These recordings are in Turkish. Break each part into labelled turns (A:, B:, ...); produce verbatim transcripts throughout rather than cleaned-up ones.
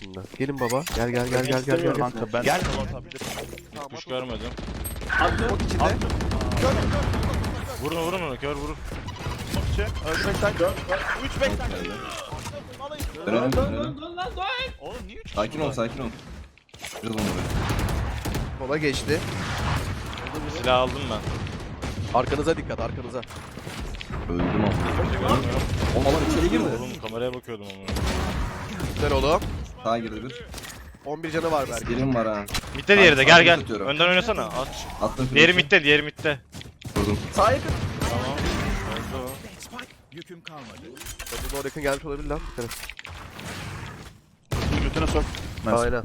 A: içinde. Gelin baba. Gel gel gel gel gel gel.
B: Kanka ben
A: Gel.
C: Hiç kuş görmedim.
A: Smoke içinde.
C: Vurun vurun onu, kör vurur.
B: Öldürmekten üç bekten.
D: Dönelim dönelim.
B: Oğlum niye üç?
D: Sakin ol sakin ol. Biraz onu ver.
A: Sola geçti.
C: Silah aldım ben.
A: Arkanıza dikkat, arkanıza.
D: Öldüm ama.
C: Kimse görmüyor.
D: Oğlum adam içeri girdi.
C: Oğlum kameraya bakıyordum ama.
A: Güzel oğlum.
D: Sağa girdi bir.
A: on bir canı var belki.
D: Birim var ha.
C: Mitte diğeri de, gel gel.
D: Atıyorum.
C: Önden oynasana. Aç.
D: Attım.
C: Diğeri mitte, diğeri mitte.
D: Vurdum.
A: Sağa yakın.
C: Tamam. Öldü o.
E: Yüküm kalmadı.
A: Bu doğru yakın gelmiş olabilir lan. Dikkat et.
B: Götüne sok. Nice.
A: Aynen.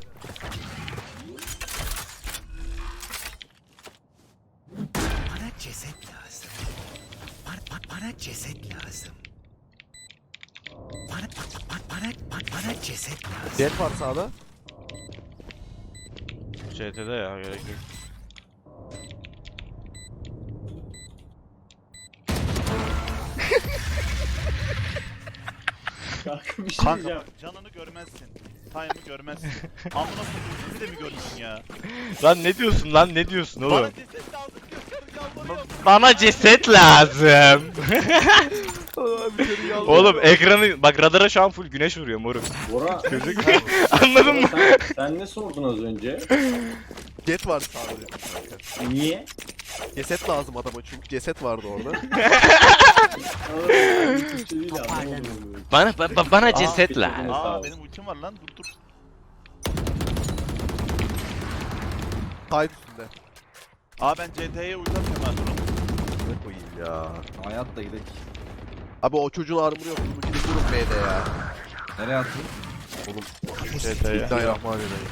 E: Bana ceset lazım. Bana, bana, bana ceset lazım. Bana, bana, bana, bana, bana ceset lazım.
A: Jet var sağda.
C: C T'de ya, gerek yok.
F: Kanka bir şey
B: Kanka
F: diyeceğim.
B: bak, canını görmezsin. Time'ı görmezsin. Amına koyayım sizi de mi görürsün ya?
C: Lan ne diyorsun lan, ne diyorsun
B: Bana
C: oğlum?
B: ceset lazım diyor. Yalvarıyorum.
C: Bana ceset lazım.
A: Abi
C: Oğlum ekranı bak, radara şu an full güneş vuruyor moruk.
F: Bora,
C: Anladın mı?
F: sen, sen ne sordun az önce?
A: Jet var sağda.
F: Niye?
A: Ceset lazım adama çünkü ceset vardı orada.
F: Aa, bir şey değil ya, anlamadım.
C: Bana ba- bana ceset
F: Aa,
C: lazım.
F: Sağ
B: Aa
F: ol.
B: benim ultim var lan dur dur.
A: Kayıt üstünde.
B: Aa ben C T'ye ulti atıyorum ben durun.
A: Ne koyayım ya.
D: Hayat da gidelim.
A: Abi o çocuğun armuru yok. Bunu gidip durun B'de ya.
D: Nereye attın?
C: C T'ye.
A: Bismillahirrahmanirrahim.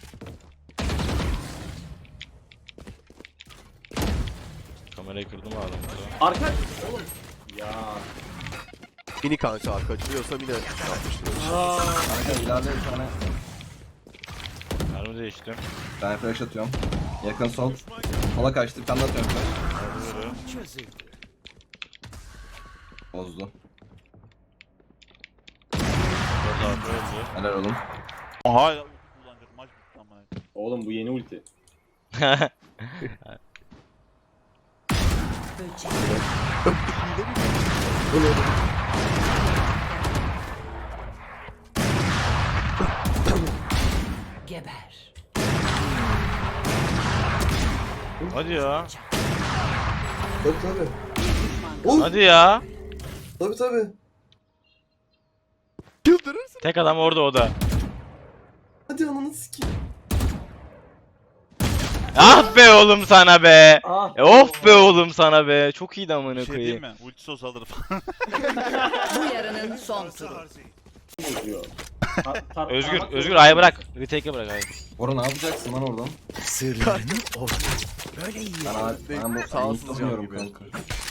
C: Kamerayı kırdım adam.
F: Arka... Oğlum. Ya.
A: Mini kanka kaçırıyorsa mini yapmıştır.
F: Aa.
D: Kanka ileride bir tane.
C: Mermi değiştim.
D: Ben flash atıyorum. Yakın sol. Sola kaçtı. Bir tane daha atıyorum flash.
E: Çözüldü.
D: Bozdu.
C: Dört altı öldü.
D: Helal oğlum.
B: Aha ya ulti kullanacak maç bitti ama.
F: Oğlum bu yeni ulti.
G: Geber.
C: Hadi ya.
D: Tabii tabii.
C: Hadi ya.
D: Tabii tabii.
A: Çıldırırsın.
C: Tek adam orada, o da.
D: Hadi ananı sikeyim.
C: Ah be oğlum sana be.
F: Ah.
C: E, of be oğlum sana be. Çok iyiydi amına
B: Bir şey diyeyim
C: koyayım.
B: mi? Ulti sos alır falan.
G: Bu yarının son turu.
F: Bozuyor. Ta- tar-
C: Özgür,
F: parmak
C: Özgür
F: yok.
C: ayı bırak. Retake'e bırak ayı.
D: Bora ne yapacaksın lan oradan?
E: Sırlarını ortaya. Böyle iyi.
D: Ben abi ben bu
A: Sağ
D: sağ
A: olsun
D: tutamıyorum
A: gibi.
D: kanka.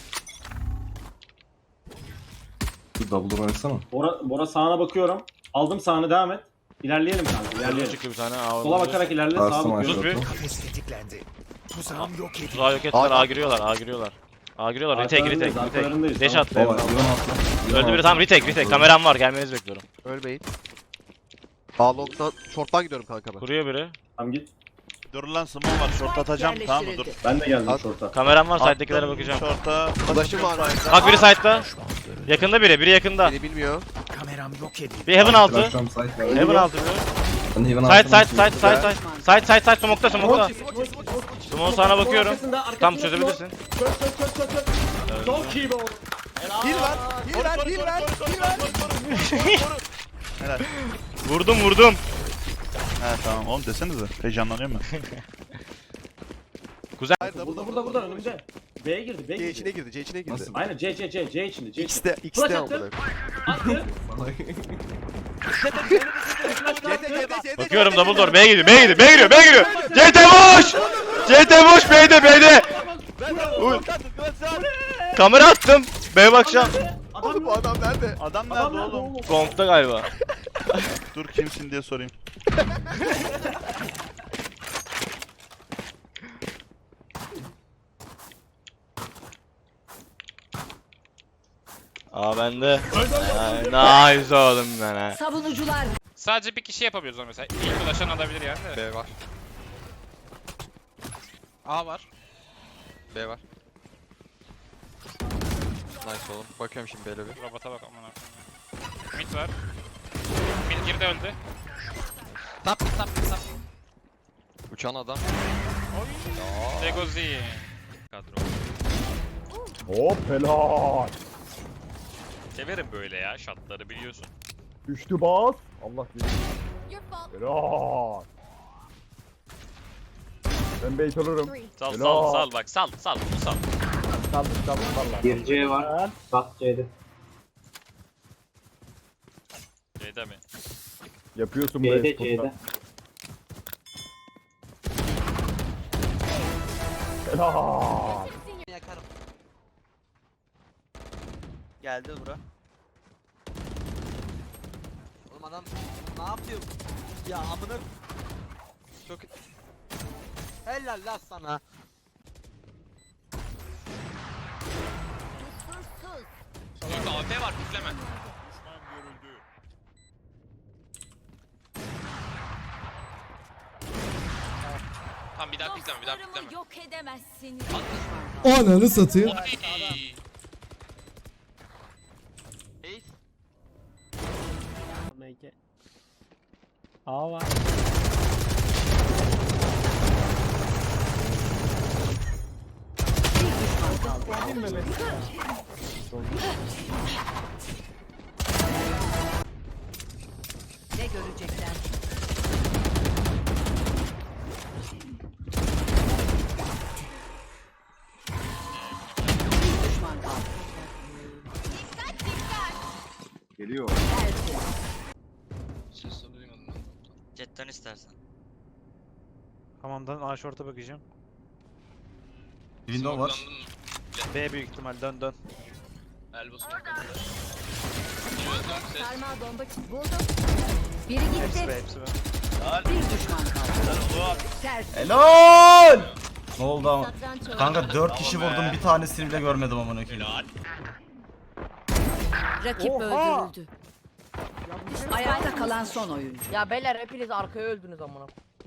D: Dur double oynasana.
F: Bora, Bora sağına bakıyorum. Aldım sağını, devam et. İlerleyelim kanka,
C: Özgür
F: ilerleyelim.
C: çıktı bir tane. Aa,
F: Sola
C: orada.
F: bakarak ilerle, sağa
D: Bastım
F: bakıyorum.
C: Sus bir.
D: aşağı.
E: Kafes tetiklendi. Tuzağım yok edildi.
C: Tuzağı yok ettiler. A giriyorlar. A giriyorlar. A giriyorlar. Retake, retake,
F: Arkalarındayız,
C: retake.
F: arkalarındayız,
C: Deş
F: tamam.
C: attı.
D: Baba yılan atla.
C: Öldü biri, tamam, retake, retake. Kameram var, gelmenizi bekliyorum.
A: Ölmeyin. A long'dan, short'tan gidiyorum kanka ben.
C: Kuruyor biri.
F: Tamam git.
B: Dur lan small var short atacağım tamam mı dur.
F: Ben de geldim
A: At.
F: şorta.
C: Kameram var,
B: Attım
C: side'dekilere bakacağım.
B: Short'a.
A: Flash'ım var.
C: Bak biri side'da. Yakında biri, biri yakında.
A: Beni bilmiyor.
E: Kameram yok edildi.
C: Bir heaven altı.
D: Flash'ım site var.
C: Heaven altı biri.
D: Ben heaven
C: Side,
D: altına
C: side, side, side, side. Side, side, side. Smoke'ta, smoke'ta. Smoke sana bakıyorum.
F: Arkasında, arkasında
C: Tam
F: smoke.
C: çözebilirsin.
F: Çöz çöz çöz çöz çöz. Çok iyi be oğlum.
A: Heal ver, heal ver, heal ver, heal ver.
B: Helal.
C: Vurdum, vurdum.
B: He tamam oğlum desenize. Heyecanlanıyorum ben.
A: Hayır, double,
F: Burada
A: double,
F: burada burada
A: double.
F: önümde. B'ye girdi, B'ye
A: C içine
F: girdi.
A: girdi, C içine girdi.
D: Nasıl?
F: Aynen C C C C içinde, C içinde.
A: X'te,
F: Flash
A: X'te
F: attı.
A: amına.
F: Attı.
A: C T, C T, C T.
C: Bakıyorum double door. B'ye gidiyor, B'ye gidiyor, B'ye giriyor, B'ye giriyor. C T boş! C T boş, B'de, B'de. Uy. Kamera attım. B'ye bakacağım.
A: Oğlum bu adam nerede?
B: Adam nerede
F: Adam nerede
B: oğlum?
F: oğlum?
C: Kompta galiba.
B: Dur kimsin diye sorayım.
C: Aa bende. Ay, nice oğlum ben ha.
G: Savunucular
H: Sadece bir kişi yapabiliyoruz onu mesela. İlk ulaşan alabilir yani de.
A: B var. A var. B var. Nice oğlum. Bakıyorum şimdi B'le bir.
H: Robota bak aman akıllı. Mid var. Mid girdi öldü.
A: Tap tap tap. Uçan adam.
H: Legozi. Kadro.
F: Hop helal.
H: Severim böyle ya şatları biliyorsun.
F: Düştü bas. Allah bilir. Helal. Ben bait olurum.
H: Sal
F: Helal.
H: sal sal bak sal sal bunu sal.
F: Kaldır kaldır valla.
I: Bir C var. Bak C'de.
H: C'de mi?
F: Yapıyorsun bu
I: C'de
F: esporta.
I: C'de.
F: Helal.
A: Yakarım.
J: Geldi bura.
A: Oğlum adam ne yapıyor? Ya amına çok helal lan sana.
H: Kanka A P var pikleme. Tamam bir daha pikleme bir daha pikleme.
G: Yok edemezsin.
K: Ananı satayım.
H: Oy.
F: A var.
G: Ne görecekler? Bir düşman kaldı.
D: Geliyor.
J: Jetten istersen.
B: Hamamdan A short'a bakacağım.
D: Window var.
B: B büyük ihtimal dön dön.
G: Sarmal bomba buldum. Biri
B: Hepsi
G: gitti.
B: B hepsi B.
G: Bir düşman kaldı. Ters.
D: Helal! Ne oldu ama?
G: Satranç oyunu.
D: Kanka dört kişi vurdum, bir tanesini bile görmedim amına koyayım.
G: Rakip öldürüldü. Ayakta kalan son oyuncu.
J: Ya beyler hepiniz arkaya öldünüz amına.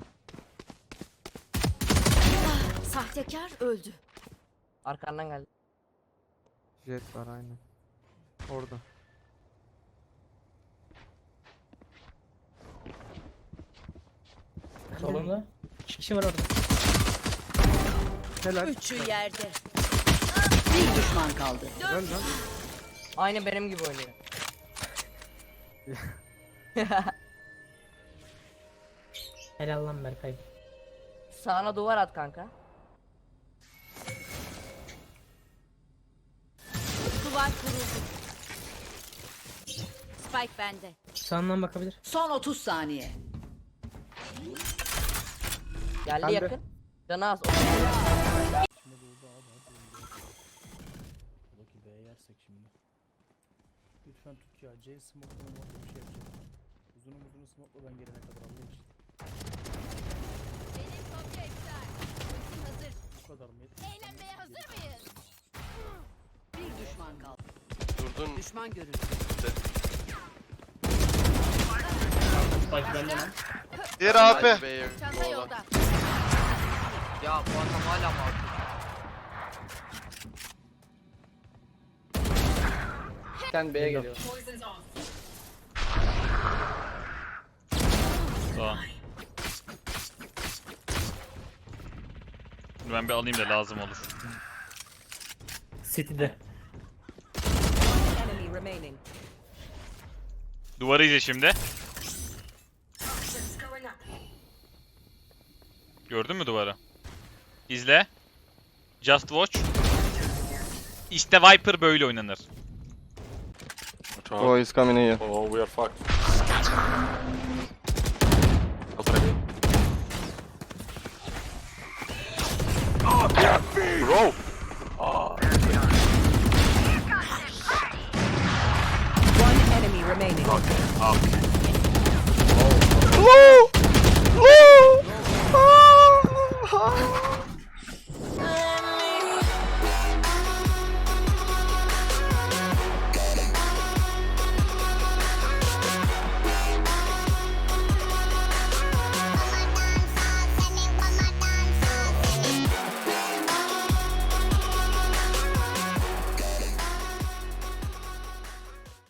G: Sahtekar öldü.
J: Arkandan geldi.
A: Jet var aynen. Orada.
J: Solunda. İki kişi var orada.
A: Helal.
G: Üçü yerde. Bir düşman kaldı.
J: Aynı benim gibi oynuyor.
I: Helal lan Berkay.
J: Sağına duvar at kanka.
G: Duvar kuruldu. Spike bende.
I: Sağından bakabilir.
G: Son otuz saniye.
J: Geldi yakın. Canı az.
F: Lütfen tut ya. C smoke'la bir şey yapacağım. Uzunu uzunu smoke'la ben gelene kadar Allah için. Bu kadar mı?
G: Eğlenmeye hazır mıyız? Bir düşman kaldı.
A: Durdun.
G: Düşman görüldü.
C: Diğer A P.
G: Çanta yolda.
A: Ya bu adam hala mı artık?
J: Sen B'ye geliyor.
H: Tamam. Ben bir alayım da lazım olur.
I: City'de.
G: Enemy remaining.
H: Duvarı izle şimdi. Gördün mü duvarı? İzle. Just watch. İşte Viper böyle oynanır.
C: Oh, he's coming here.
A: Oh, we are fucked. Bro.
G: One enemy remaining.
C: Woo! Woo! Ah!